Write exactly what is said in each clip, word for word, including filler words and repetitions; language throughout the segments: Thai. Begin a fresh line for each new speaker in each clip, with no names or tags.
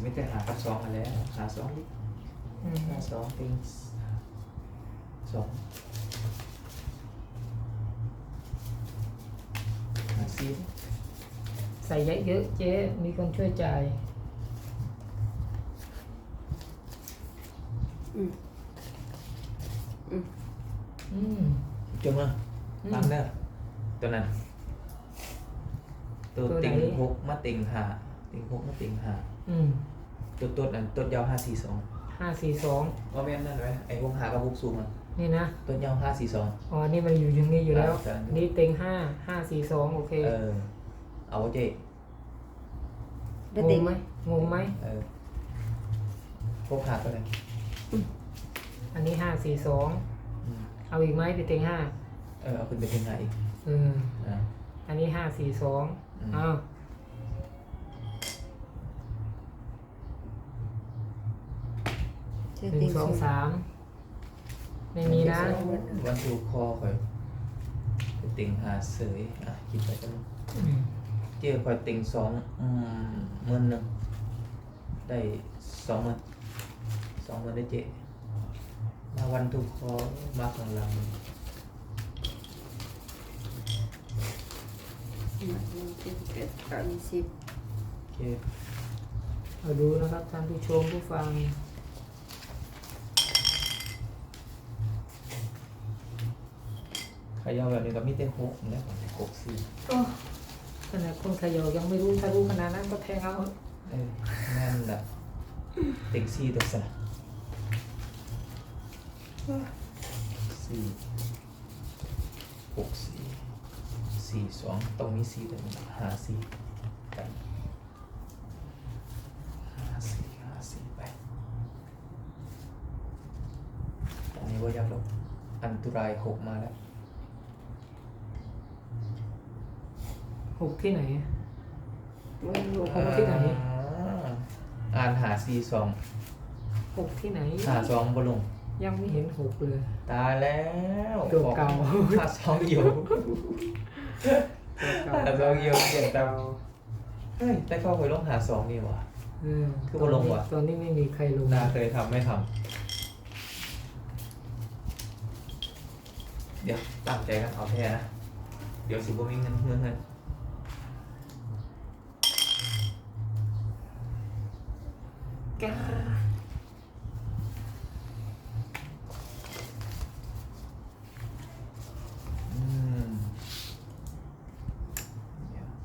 ไม่แต่หากับสองมาแล้วหาสองดิหาสองติงสองหาสี่
ใส่เยอะๆเจ๊มีคนช่วยจ่าย
อืมอืม
อืม
จงอ่ะฟังเด้อตัวนั้นตัวติงหกมาติงหาติงหกมาติงหา
อืม
ตัวตัวนั้นตัวยาวห้าสี่สอง
ห้าสี่สอง
ว่าแม่นนั่นไหมไอ้หกหากับหกสูงอ่ะ
นี่นะ
ตัวยาวห้าสี่สอง
อ๋อนี่มันอยู่อย่างนี้อยู่แล้ว
อ่า
นี่เต็งห้าห้าสี่สองโอเค
เออเอาเจ๊
ได้
ง
ติ
ง
ง
ไหมงงไหม
เออหกหาก็เลย
อันนี้ห้าสี่สอง
อืม
เอาอีกไหมพี่เต็งห้า
เออเอาขึ้นไปเป็นหาอีก
เออ
อ่า
อันนี้ห้าสี่สอง
อืม
อ้าวหนึ่งสองสามไม่มีนะ
วันทูคอคอยไปติงหาเสยอ่ะคิดไปกัน
อืม
เจ๊คอยติงสองอืมหมื่นหนึ่งได้สองหมื่นสองหมื่นได้เจ๊มาวันทูคอมาข้างหลัง
หนึ่งเจ็ดแปดเก้ายี่สิบ
โอเค
เอาดูนะครับท่านผู้ชมผู้ฟัง
ขยาวแบบนี้ก็มีแต่หกนะหกสี่
โอ้ขนาดคนเขยอยังไม่รู้ถ้ารู้ขนาดนั้นก็แทงเอา
เออนั่นแหละติงสี่ตัวสละสี่หกสี่สี่สองตรงนี้สี่ตัวนี้หาสี่กันห้าสี่ห้าสี่ไปอันนี้ว่ายับลงอันตรายหกมาแล้ว
หกที่ไหน
ไม่รู้
หกที่ไหน
อ่าอ่านหาสี่สอง
หกที่ไหน
หาสองบนลง
ยังไม่เห็นหกเลย
ตายแล้ว
ตัวเก่า
หาสองอยู่ หาสองอยู่เปลี่ยนตามเฮ้ยแต่เข้าไปลงหาสองนี่หว่า
เออ
คือบ่ลงว่ะ
ตอนนี้ไม่มีใครลง
นาเคยทำไม่ทำเดี๋ยวตั้งใจกันเอาแท้นะ เดี๋ยวสิบ่มีเงินเงินเงิน
ก้า
อืมเดี๋ยว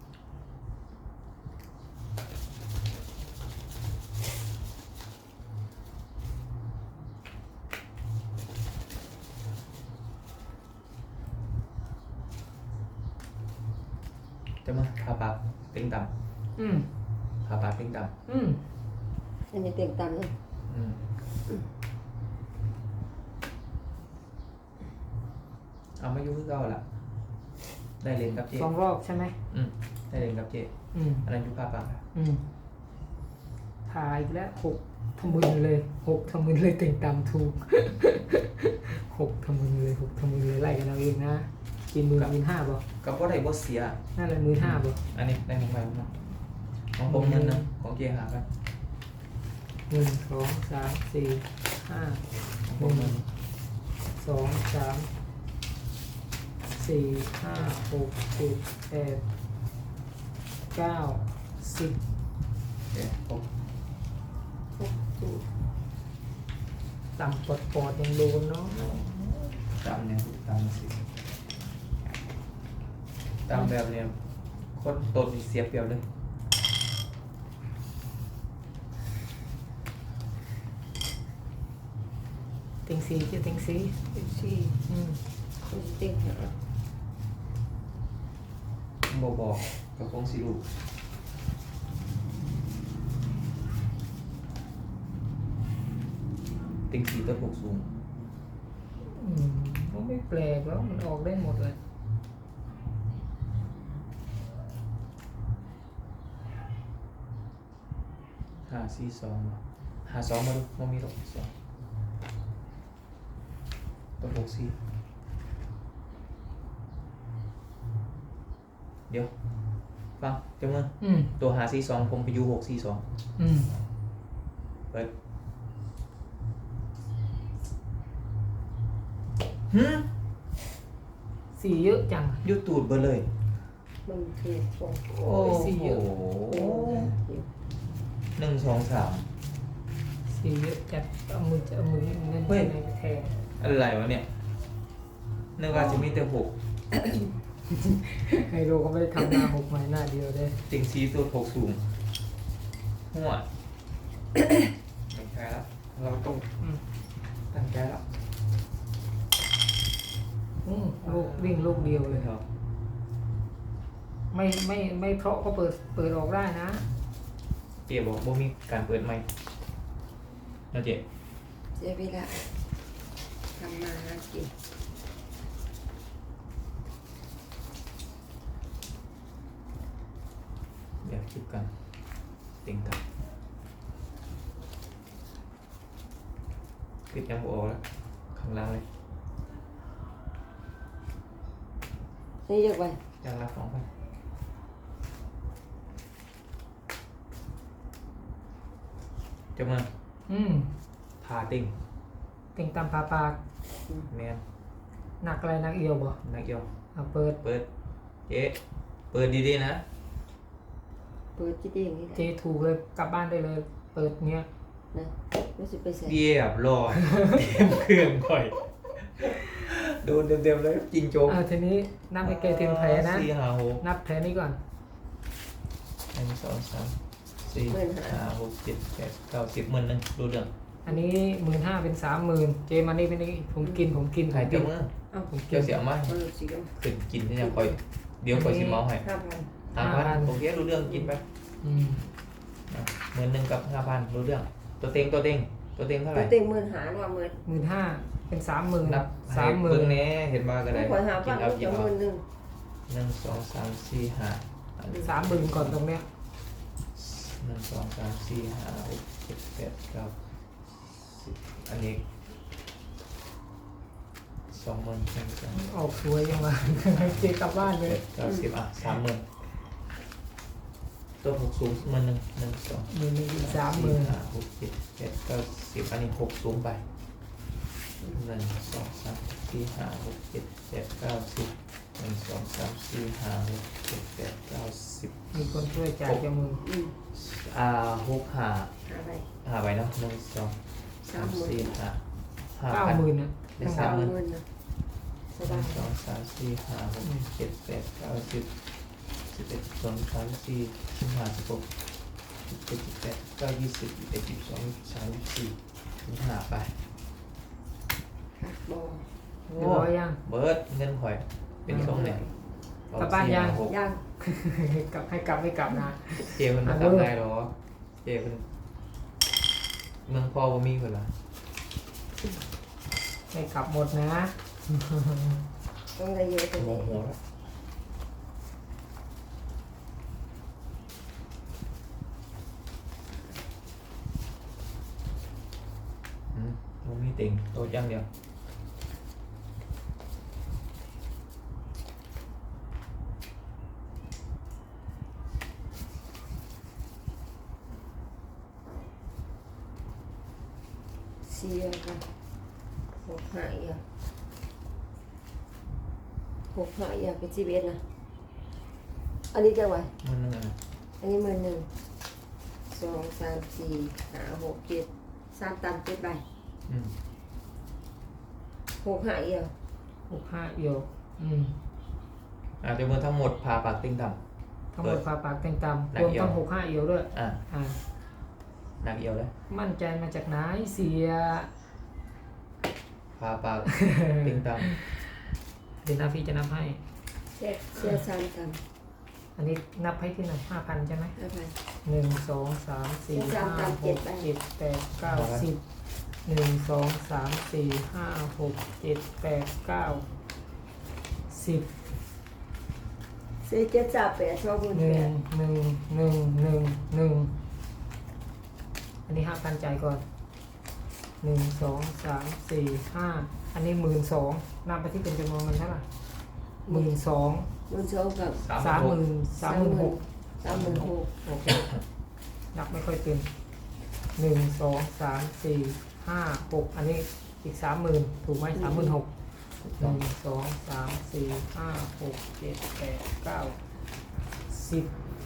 จะมาพาปากติ้งต่
อืม
ำพาปากติ้งต่
อืม
อันนี้เต็งต่ำเลย
ำอืมเอามายุ่งคือเก่าละได้เรียนกับเจ
สองรอบใช่ไหม
อืมได้เรียนกับเจ
อืม
อันนั้นอยุพาปากอะ
อืมถ่ายอีกแล้วหกทำมือเลยหกทำมือเลยเต็งตามถูก หกทำมือเลยหกทำมือเลยไล่กันเอาเองนะกินมือกินห้าบ่
กับว่าได้บ่เสีย
นั่นแหละมือห้าบ่
อันนี้ได้ของใครของมันของผมเงินนะของเกียร์หากัน
หนึ่งสองสามสี่ห้า
ของผมเงิน
สองสามสี่ห้าหกเจ็ดแปดเก้าสิบ
โอเคผม
หกสูตร
ต่ำปอดปอดยังโดนเนาะ
ตามเนี่ยตามสิตามแบบเนี่ยคนตนเสียเปรียบเลย
เต็งสี่จะเต็งสี่
เต็งสี่
อืม
คนเต็งห้า
บ่บอกกับคงสิลูกติงสีตัวหกสูง
อืมก็ไม่แปลกแล้วมันออกได้หมดเลย
หาสี่สองหาสองมาดูมันมีหรอกสองตัวหกสี่เดี๋ยวฟังจำเมื่อ
อืม
ตัวหาสี่สองผมไปอยู่หกสี่สอง
อืม
เปิดหืม
สี่เยอะจัง
ยุดตูดเบอร์เลย
มันคือสอง
โอ้
สี่เยอะ
โหหนึ่งสองสาม
สี่เยอะจัดเอามือจะเอามือเงิน
เฮ้ย
ในแทน
อะไรวะเนี่ยนึกว่าจะมีแต่หก
ไฮโลก็ไม่ได้ทำหน้าหกไม้หน้าเดียวได้
ติงซีตัวหกสูงหัวไม่ใช่แล้วเราต้อง
อืม
ตั้งใจแล้ว
อืมลูกวิ่งลูกเดียวเลย
ครับ
ไม่ไม่ไม่เพราะก็เปิดเปิดออกได้นะ
เจ๊บอกว่ามีการเปิดไหมนะเจ๊
เสียเวลาทำมาหากิน
เดี๋ยวคิดกันติงกันคิดยังบออกแล้วข้างล่างเลย
นี่เยอะไป
ยังรับสองพันจะมา
อืม
พาติง
ติงตามปลาปาก
แมน
หนักอะไรหนักเอียวบ่
นักเอียว
เอาเปิด
เปิดเจ๊เปิดดีๆนะ
เปิดจีดีอย่างนี้แหละ
เจถูกเลยกลับบ้านได้เลย เปิดเงี้ย
นะไม่ใช่ไปใส่
เรียบร้อยเต็มเครื่องค่อยโดนเต็มๆเลยจริงโจ๊ก
อ่าทีนี้นับไปเกยถึงแผลนะ
สี่ห้าหก
นับแผลนี้ก่อน
หนึ่งสองสามสี่ห้าหกเจ็ดแปดเก้าสิบหมื่นหนึ่งดูเรื่อง
อันนี้หมื่นห้าเป็นสามหมื่นเจมันนี่เป็นนี่ผมกินผมกินผ
ใคร
มกิ
เจ้าน มือ
เอ้า
ผมกิ
เจ้าน เสียมา
เออสิครับ
ขึ้นกินที่ยังคอยเดี๋ยวคอยชิมเมาส์ให้
ห้าพัน
ห้าพันโอเครู้เรื่องกินไป
อืม
หมื่นหนึ่งกับห้าพันรู้เรื่อง ตัวเต็งตัวเต็งตัวเต็งเท่าไห
ตั
ร่
วเต็งหมื่นหารว่าหมื่น
หมื่นห้าเป็นสามหมื่น
นับ
สามหมื่
เบิ่
น
งแหน่เห็นมาก็ได้
ขอหา
กิ
พั
น
น
เอา
ก็
กิ
จะ
น
ห
เอา
มื่นหนึ่ง
หนึ่งสองสามสี่ห้าอันนี้
สามหมื่นก่อนตรงเนี้ย
หนึ่งสองสามสี่ห้าหกเจ็ดแปดเก้าสิบอันนี้สองหมื่นสองสาม
ออกสวยยังวะ เจกลับบ้านเล
เจ็
ย
ดเก้าสิบอ่ะสามหมื่นตัวหกสูงหมื่นหนึ่งหนึ่งสอง
หมื่นหนึ่งอีกสามหมื่น
ห้าหกเจ็ดแปดเก้าสิบอันนี้หกสูงไปหนึ่งสองสามสี่ห้าหกเจ็ดแปดเก้าสิบหนึ่งสองสามสี่ห้าหกเจ็ดแปดเก้าสิบ
มีคนช่วยจ่ายจะมือ
อืม
อ่าหกห้า
หาไป
ห้าใบเนาะหนึ่งสองสามสี่ห้าห้า
เก้า
พัน
หมื่นนะ
ได้
สา
สาม
ม
หมื่น
หมื่นนะส
ห
บา
นึ่
ย
งสองสามสี่ห้าหกเจ็ดแปดเก้าสิบสิบเอ็ดสองสามสี่สิบห้าสิบหกสิบเจ็ดสิบแปดเก้ายี่สิบยี่สิบเอ็ดยี่สิบสองยี่สิบสามยี่สิบสี่ยี่สิบห้าไป
ค่ะบอ
เรียบร้อยยัง
เบิร์ดเงินข่อยเป็นช่องเนี่ย
กลับบ้านยัง
หก
ย่าง
กลับให้กลับไม่กลับนะ
เจมันมา
อ่ะ
ทำ
เบิด
ได้หรอเจมันเมืองพ่อบ่มีคนละ
ไม่กลับหมดนะ
ต้องได้เยอะตัว
โม
นี้
โหแล้วอืมมันมีติ่งโต๊ะย่างเดียว
เสียกันหกห้าอีกอะหกห้าอีกอะเป็นสิบเอ็ดนะอันนี้จะไหว
มันนึงอ่ะ
อันนี้หมื่นหนึ่งสองสามสี่ห้าหกเจ็ดสามตันเจ็ดใบ
อืม
หกห้าอีกอะ
หกห้าเอียว อืม
อาจจะเมื่อทั้งหมดพาปากติ่งต่
ทั้งหมดฝาปากเต็งตำ
หนั
ร
ก
วม
เอียว
ทั้งหกห้าเอียวด้วย
ำอ่า
อ่า
หนักเอียวเลย
มั่นใจมาจากไหนเสีย
พาปากติ่งต่
เดี๋ยวนาฟีจะนับให้
เสียเสียสามตัน
อันนี้นับให้ที่ไหนห้าพันใช่ไหม
ห้าพัน
หนึ่งสองสามสี่
สา
ห้าม
ตาม
ห
เจ็ด
ก
ไป
เจ็ดแปดเก้าสิบหนึ่งสองสามสี่ห้าหกเจ็ดแปดเก้าสิบ
เสียเจ็ดสามแปดสองหมื่น
หนึ่
แป
ง
ด
หนึ่งหนึ่งหนึ่งหนึ่งอันนี้ห้าพันจ่ายก่อนหนึ่งสองสามสี่ห้าอันนี้หมื่นสองนับไปที่เป็นจำนวนเงินเท่าไหร่หมื่นสอง
หมื่นสองกับ
สามหมื่นสามหมื่นหก
สามหมื่นหก
โอเคนับไม่ค่อยเป็นหนึ่งสองสามสี่ห้าหกอันนี้อีกสามหมื่นถูกไหมสามหมื่นหกหนึ่งสองสามสี่ห้าหกเจ็ดแปดเก้าสิบ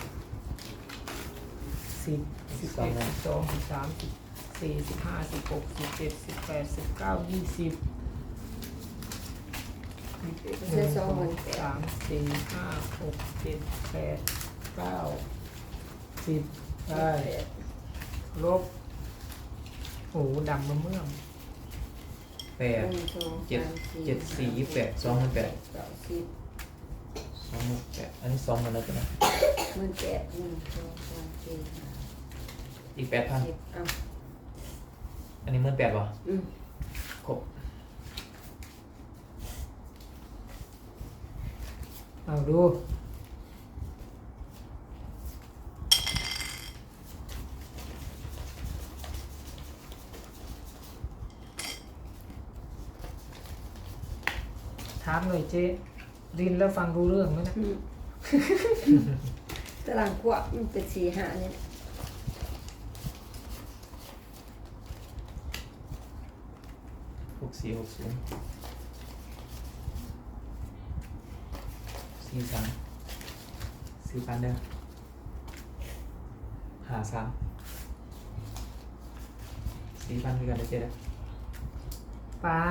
สิบสิบเอ็ดสิบสองสิบสามสิบสี่สิบห้าสิบหกสิบเจ็ดสิบแปดสิบเก้ายี่สิบหนึ่
เส้น
ง
ส
ส
อ
อง ง
หมื่นแปด
สามสี่ห้าหกเจ็ดแปดเก้าสิบได้ลบโอ้ดำมาเมื่อม
แปด
หนึ่งสอง
เจ็ด
สามสี่
เจ็ดสี่ยี่สิบแปดสองหมื่นแปด
เก้าสิบ
สองหมื่นแปดอันนี้สองหมื่นแล้วจ้ะนะ
หมื่นแปดหนึ่งสองสามสี่ห้า
อีกแปดพัน
สิบเอา
อันนี้หมื่นแปดวะ
อืม
ครบ
เอาดูถามหน่อยเจ๊ดินแล้วฟังรู้เรื่องไหมนะ
อืมตารางขวบมันเป็นสี่ห้าเนี่ย
หกสี่หกศูนย์สี่สามสี่พันเด้อหาสามสี่พันคือกันได้เจ๊เด้อ
ปลา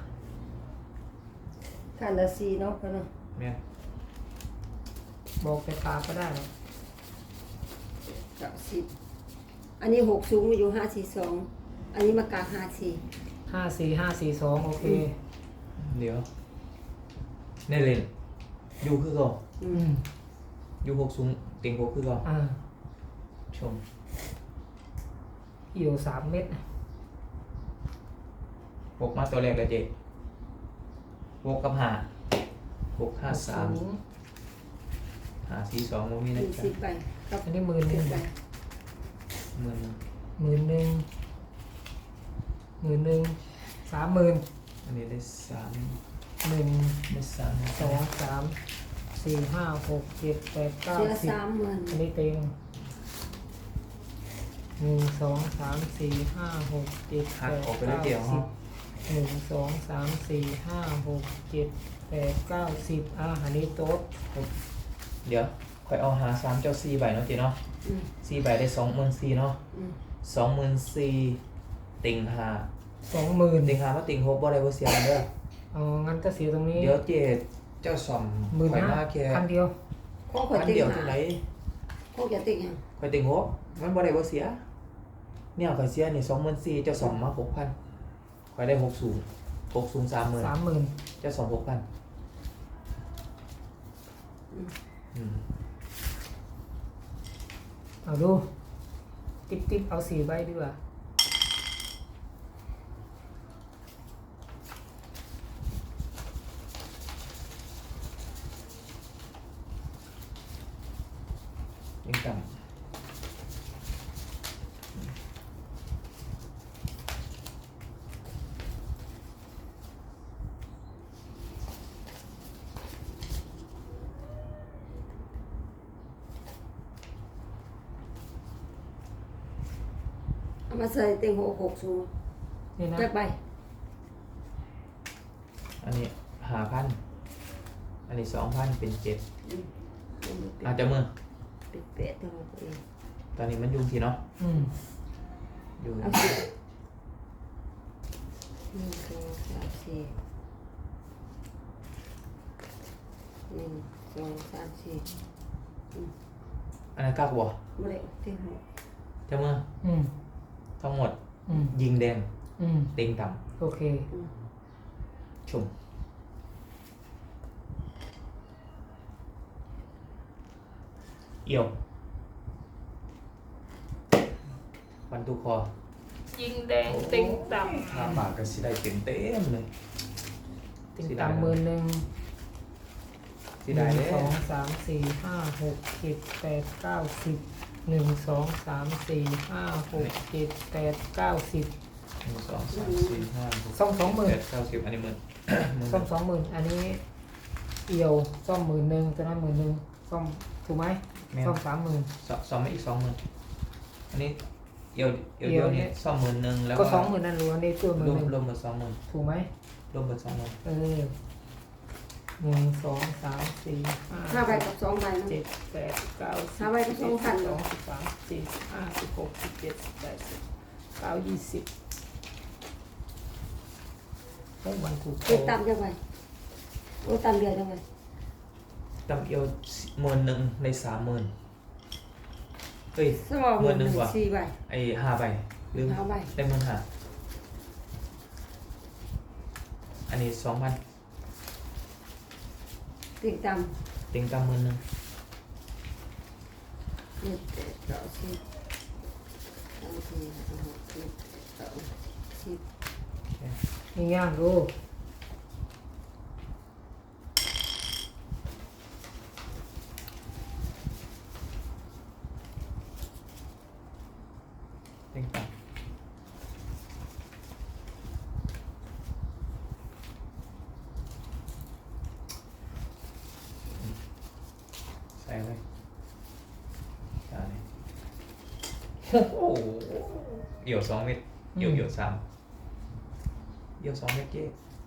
ขันละสี่เนาะกันเนาะ
แม่น
บอกไปปลาก็ได้หรอก
เก้าสิบอันนี้หกสูงอยู่ห้าสี่สองอันนี้มากลางห้าสี่
ห้าสี่ห้าสี่สองโอเค
เดี๋ยวเน่เล่นอยู่คือก่อน
อื
อื
ม
ม
อยู่หกสูงเต็งหกคือก่อน
อ่า
ชม
เอี่ยวสามเม็ด
หกมาตัวแรกเลยเจ๊หกกับหาหกห้าสาม
สูง
หาสี่สองโมมีนะ
ยี่
จ๊ะ
สิบใบกับ
อันนี้หมื่นห
สิ
นึ่
บ
ง
ใบ
หมื่น
หมื่นหนึ่งหมื่นหนึ่งสามหมื่น
อันนี้ได้สาม
หนึ่ง
ได้สาม
สองสามสี่ห้าหกเจ็ดแปดเก้า
เสื้อ
สิบ
สามหมื่น
อันนี้เต็งหนึ่งสองสามสี่ห้าหกเจ็ด
หั
แป
ก
ด
ออกไปแล้ว
เก้า
เดี๋ยว
สิบหนึ่งสองสามสี่ห้าหกเจ็ดแปดเก้าสิบอ่ะอันนี้โต๊ะ
เดี๋ยวค่อยเอาหาสามเจ้าสี่ใบเนาะเจ๊เนาะ
อืม
สี่ใบได้สองหมื่นสี่เนาะ
อืม
สองหมื่นสี่ติงหา
สองหมื่น
ติงหามาติงหกบ่ได้บ่เสียเด้อ
อ๋องั้นก็เสียตรงนี้
เดี๋ยวเจ๊เจ้าสอม
หมื่น
ข่อย
ห้า
มาแค่
พันเดียว
ข้อข่อย
พัน
ติ่ง
เดียว
หา
ที่ไหน
ข้อจะติ่งยัง
ข่อยติงหกมันบ่ได้บ่เสียเนี่ยข่อยเสียนี่สองหมื่นสี่เจ้าสอมมาหกพันข่อยได้หกสูงหกสูงสามหมื่น
สามหมื่น
เจ้าสองหกพันอืม
เอาดูติ๊บติ๊บเอาสี่ใบดีกว่า
ยังต่ำ
เอามาใส่ติ่งหกหกสูง
นี่นะ
จักใบ
อันนี้หาพันอันนี้สองพันเป็นเจ็ด
อืม
อาจจะมือ
เป็นเป็ดตัวเอง
ตอนนี้มันยุ่งทีเนาะ
อืม
อยู่
เอาสิหนึ่งสองสามสี่หนึ่งสองสามสี่
อันนั้นกล้าบัว
ไม่ได้ติ่งหก
จะมือ
อืม
ทั้งหมด
อืม
ยิงแดง
อืม
เต็งต่
โอเค
ำชมเอี่ยววันตุคอ
ยิงแดงติงต่
ห้าบาทก็สิได้เต็มเต็มๆเลย
ำติงต่ำหมื่นหนึ่ง
สิ
ห
ได้
นึ่ง
เลย
สองสามสี่ห้าหกเจ็ดแปดเก้าสิบหนึ่งสองสามสี่ห้าหกเจ็ดแปดเก้าสิบ
หนึ่งสองสามสี่ห้าหก
สองสองหมื่น
เจ็ดเก้าสิบอันนี้หมื่นหมื่น
ส้มสองหมื่นอันนี้เอียวซ่อมหมื่นหนึ่งตัวนั้นหมื่นหนึ่งซ่อมถูกไหม
แม่น
ซ่อมสามหมื่น
สซ่อมไม่อีกสองหมื่นอันนี้เอียวเอียว
เอี
เดี
ย
ยว ว
เนี่
นี้
ย
ซ่อมหมื่นหนึ่งแล้ว
ก็สองหมื่นนั่นรวมนี่ตัวหมื่
ร
น
วม
หนึ่ง
รวมหมดสองหมื่น
ถูกไหม
รวมหมดสองหมื่น
เออหนึ่งสองสามสี่ห้า
ห้าใบกับสองใบเนาะ
เจ็ดแปดเก้าสิบ
ห้าใบก็สองพัน
สองสิบสามสี่สิบห้าสิบหกสิบเจ็ดสิบแปดสิบเก้ายี่สิบโอ้มันถูก
เจ็ดตามจังไงโอ้ตามเดือนจังไง
ตำเอียวหมื่นหนึ่งในสามหมื่นเฮ้ย
สมอง
หมื่นหนึ่งว่ะ
สี่ใบ
ไอ้ห้าใบลืม
ห้าใบ
ได้หมื่นห้าอันนี้สองพัน
ติ่งตาม
ติงตำหมื่นหนึ่ง
เจ็ดแปดเก้าสิบสามสี่ห้าหกเจ็ดแปดเก้าสิบ
นี่ย่างดู
ติงตำใส่เลยจานนี้โอ้โหเอี่ยวสองเม็ดเอี่ยวเอี่ยวสามเอี่ยวสองเม็ดเจ๊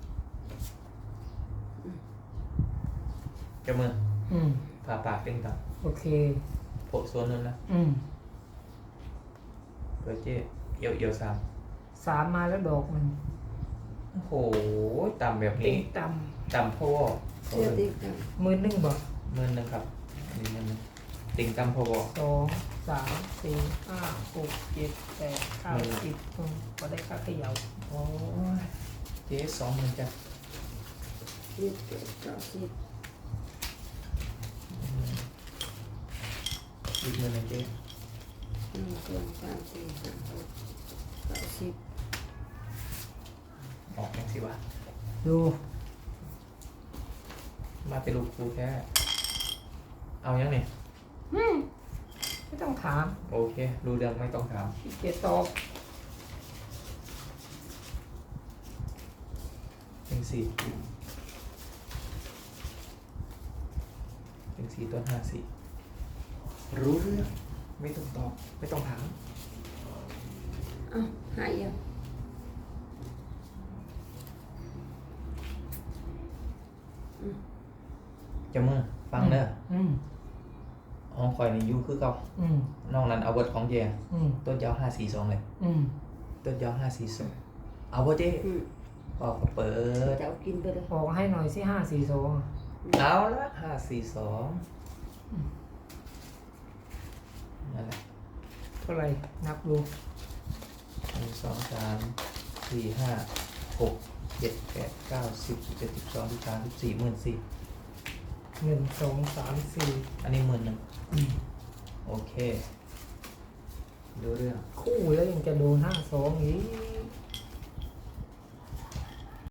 จะมือ
อืม
ผ่าปากติงต
โอเค
ำโผล่โซนนึงนะ
อืม
เปิดเจ๊เอี่ยวเอี่ยวสาม
สามมาแล้วดอกหนึ่ง
โอ้โหต่ำแบบ
ติ
นี้
งต่
ต่ำพ่อ
เชื่อติ่งตาม
ำหมื่นหนึ่งบอก
หมื่นหนึ่งครับอันนี้หมื่นหนึ่งติ่งต่ำพ่อบอก
สองสามสี่ห้าหกเจ็ดแปดเก้าสิบอืมก็ได้ค่าเขย่า
โอ้ยเจ๊สองหมื่นจ้ะ
เจ็ดแปดเก้าสิบ
อีกหมื่นหนึ่งเจ๊
หนึ่งสองสามสี่ห้าหกเก้าสิบ
ออกยังสิวะ
ดู
มาเป็นลูกครูแค่เอายังนี่
อืมไม่ต้องถาม
โอเครู้เรื่องไม่ต้องถาม
ขี้เกียจตอบ
เป็นสี่เป็นสี่ต้นห้าสี่รู้เรื่องไม่ต้องตอบไม่ต้องถาม
อ้าวหายยังอืม
จะมือฟังเด้อ
อืม
ห้องคอยในยูคือเก่า
อืม
นอกนั้นเอาเวิร์ดของแย
อืม
ต้นยาวห้าสี่สองเลย
อืม
ต้นยาวห้าสี่สองเอาบ่เจ๊
อืม
ออกก็เปิด
จะเอากินไปเลย
บอกให้หน่อยสิห้าสี่สอง
เอาละห้าสี่สองนั่นแหละ
เท่าไหร่นับดู
หนึ่งสองสามสี่ห้าหกเจ็ดแปดเก้าสิบสิบเอ็ดสิบสองสิบสามสิบสี่หมื่นสี่
หนึ่งสองสามสี่
อันนี้หมื่นหนึ่ง
อืม
โอเครู้เรื่อง
คู่แล้วยังจะโดนห้าสองอีก